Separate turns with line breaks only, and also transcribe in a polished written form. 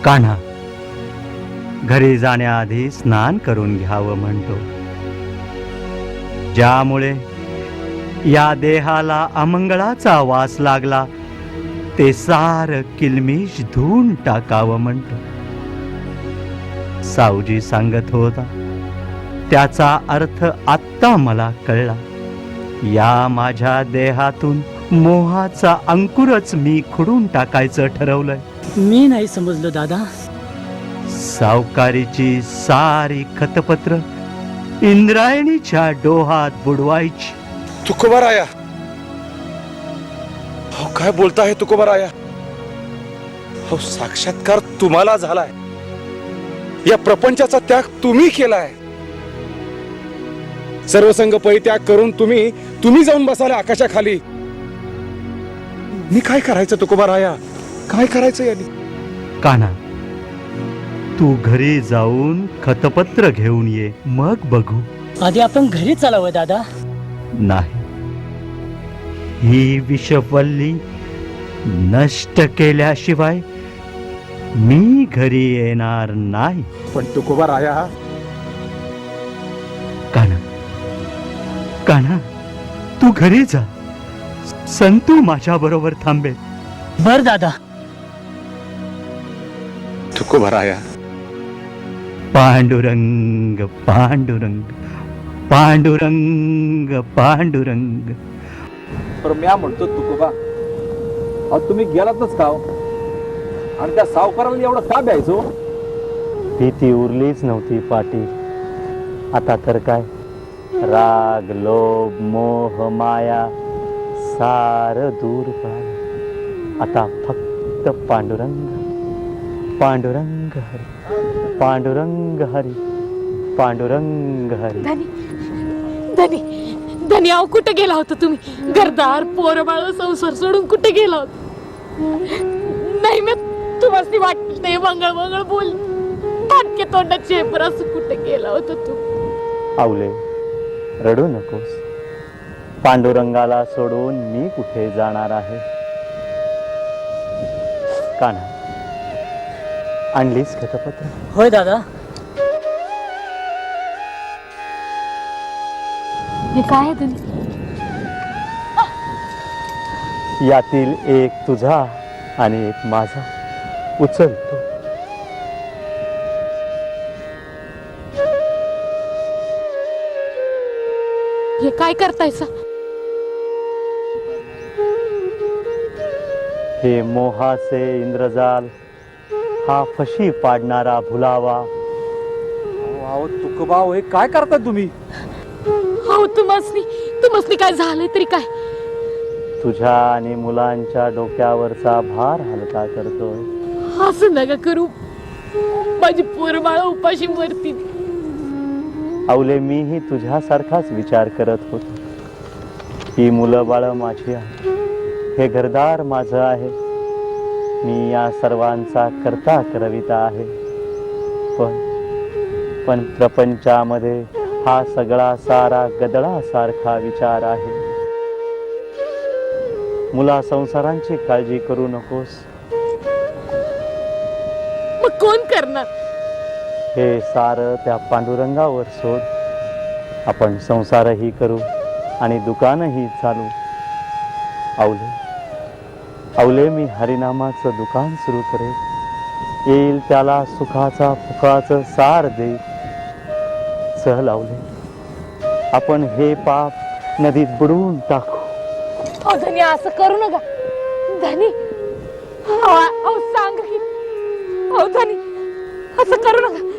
कान्हा घरी जाण्याआधी स्नान करून घ्यावं म्हणतो, ज्यामुळे या देहाला अमंगळाचा वास लागला ते सार किलमिश धुवून टाकावं म्हणतो. सावजी सांगत होता त्याचा अर्थ आत्ता मला कळला. या माझ्या देहातून मोहाचा अंकुरच मी खुडून टाकायचं ठरवलंय.
मी नाही समजलो दादा.
सावकारीची सारी खतपत्र इंद्रायणीच्या डोहात बुडवायची.
तुकोबाराया, हो काय बोलताय तुकोबाराया? हो साक्षात्कार तुम्हाला झालाय. या प्रपंचाचा त्याग तुम्ही केलाय. सर्वसंग परित्याग करून तुम्ही जाऊन बसाले आकाशाखाली. मी काय करायचं तुकोबाराया? काय करायचं यांनी?
कान्हा तू घरी जाऊन खतपत्र घेऊन ये, मग बघू.
आधी आपण घरी चालावं दादा.
नाही, ही विषवल्ली नष्ट केल्याशिवाय मी घरी येणार नाही.
पण तुकोबाराया,
कान्हा कान्हा तू घरी जा. संतू माझ्या बरोबर थांबेल.
बर दादा.
तुकोबाराया,
पांडुरंग पांडुरंग पांडुरंग पांडुरंग.
पण म्या म्हणतो तुकोबा, अहो तुम्ही गेलातच का? आणि त्या सावकाराला एवढं का द्यायचो?
भीती उरलीच नव्हती पाटील. आता तर काय, राग लोभ मोह माया सार दूर पळालं. आता फक्त पांडुरंग पांडुरंग हरी पांडुरंग हरी पांडुरंग हरी.
धनी धनी धनी, अहो कुठे गेला होता तुम्ही? घरदार पोरबाळ संसार सोडून कुठे गेला होता? नाही, मी तुम्हाला वाटते मंगळ मंगळ बोल फाटके तोंडाचे चेपर असं कुठे गेला होता तू?
आवले, रडू नकोस. पांडुरंगाला सोडून मी कुठे जाणार आहे? कान्हा आणलीस खतपत्र?
होय दादा.
हे काय आहे धनी?
यातील एक तुझा आणि एक माझा. उचलतो.
हे काय करतायसा?
हे मोहाचे इंद्रजाल, हा फशी पाडणारा भुलावा.
अहो तुकोबा, हे काय करता तुम्ही?
हो तुम्हासनी काय झालंय तरी काय?
तुझ्या आणि मुलांच्या डोक्यावरचा भार हलका करतोय.
असं नका करू, माझी पोरबाळ उपाशी मरतील.
आवले, मीही तुझ्यासारखाच विचार करत होतो. ही मुलं बाळ माझी आहे, हे घरदार माझं आहे. मी या सर्वांचा करता करविता आहे. पण प्रपंचामध्ये हा सगळा सारा गदळासारखा विचार आहे. मुला संसारांची काळजी करू नकोस.
मग कोण करणार?
हे सारं त्या पांडुरंगावर सोड. आपण संसारही करू आणि दुकानही चालू. आवले, मी हरिनामाचं दुकान सुरू करेल. येईल त्याला सुखाचा फुकाचं सार दे. चल आवले, आपण हे पाप नदीत बुडवून टाकू.
अहो धनी, असं करू नका धनी. अहो सांग की, अहो धनी असं करू नका.